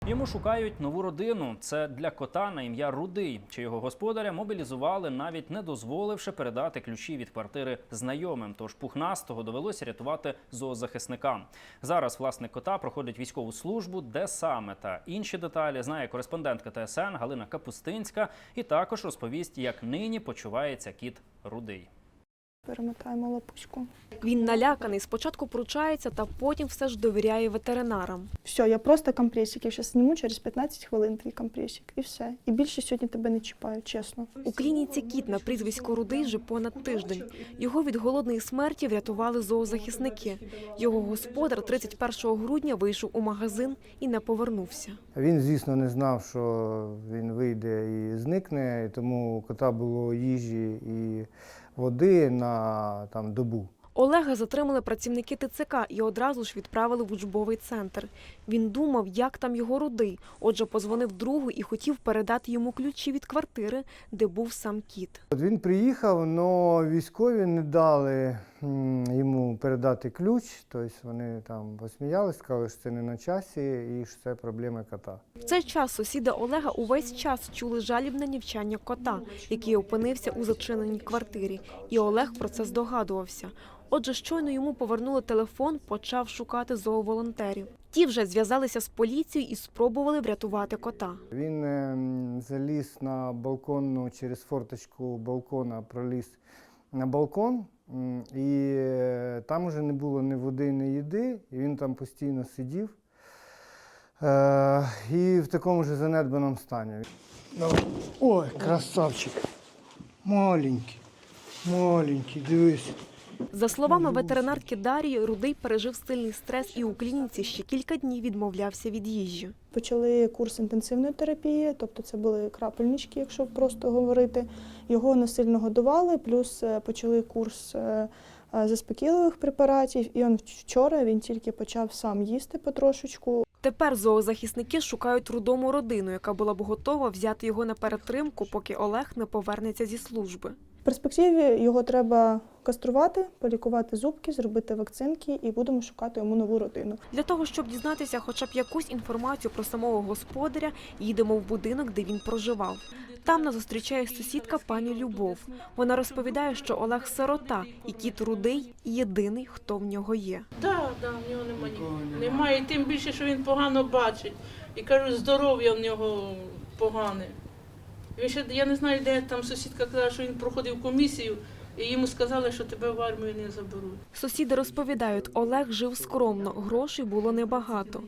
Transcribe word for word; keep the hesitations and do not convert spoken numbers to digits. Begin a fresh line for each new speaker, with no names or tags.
Йому шукають нову родину. Це для кота на ім'я Рудий, чи його господаря мобілізували, навіть не дозволивши передати ключі від квартири знайомим. Тож пухнастого довелося рятувати зоозахисникам. Зараз власник кота проходить військову службу, де саме та інші деталі знає кореспондентка Т С Н Галина Капустинська і також розповість, як нині почувається кіт Рудий.
Перемотаємо лапочку.
Він наляканий, спочатку пручається, та потім все ж довіряє ветеринарам.
Все, я просто компресик. Я зараз зніму через п'ятнадцять хвилин твій компресик. І все. І більше сьогодні тебе не чіпаю, чесно.
У клініці кіт на прізвисько Рудий вже понад тиждень. Його від голодної смерті врятували зоозахисники. Його господар тридцять першого грудня вийшов у магазин і не повернувся.
Він, звісно, не знав, що він вийде і зникне, і тому у кота було їжі і води на там, добу.
Олега затримали працівники Т Ц К і одразу ж відправили в учбовий центр. Він думав, як там його Рудий, отже позвонив другу і хотів передати йому ключі від квартири, де був сам кіт.
От він приїхав, але військові не дали йому передати ключ, тобто вони там посміялися, сказали, що це не на часі і що це проблеми кота.
В цей час сусіди Олега увесь час чули жалібне нівчання кота, який опинився у зачиненій квартирі, і Олег про це здогадувався. Отже, щойно йому повернули телефон, почав шукати зооволонтерів. Ті вже зв'язалися з поліцією і спробували врятувати кота.
Він е, заліз на балконну, через форточку балкона проліз на балкон, м, і е, там вже не було ні води, ні їди, і він там постійно сидів. Е, і в такому ж занедбаному стані. Ой, красавчик, маленький, маленький, дивись.
За словами ветеринарки Дарії, Рудий пережив сильний стрес і у клініці ще кілька днів відмовлявся від їжі.
Почали курс інтенсивної терапії, тобто це були крапельнички, якщо просто говорити. Його насильно годували, плюс почали курс заспокійливих препаратів. І он вчора він тільки почав сам їсти потрошечку.
Тепер зоозахисники шукають Рудому родину, яка була б готова взяти його на перетримку, поки Олег не повернеться зі служби.
В перспективі його треба каструвати, полікувати зубки, зробити вакцинки і будемо шукати йому нову родину.
Для того, щоб дізнатися хоча б якусь інформацію про самого господаря, їдемо в будинок, де він проживав. Там нас зустрічає сусідка пані Любов. Вона розповідає, що Олег сирота, і кіт Рудий – єдиний, хто в нього є.
Так, так, в нього немає. Немає, тим більше, що він погано бачить. І кажуть, здоров'я в нього погане. Він ще, я не знаю, де там сусідка казала, що він проходив комісію, і йому сказали, що тебе в армію не заберуть.
Сусіди розповідають, Олег жив скромно, грошей було небагато.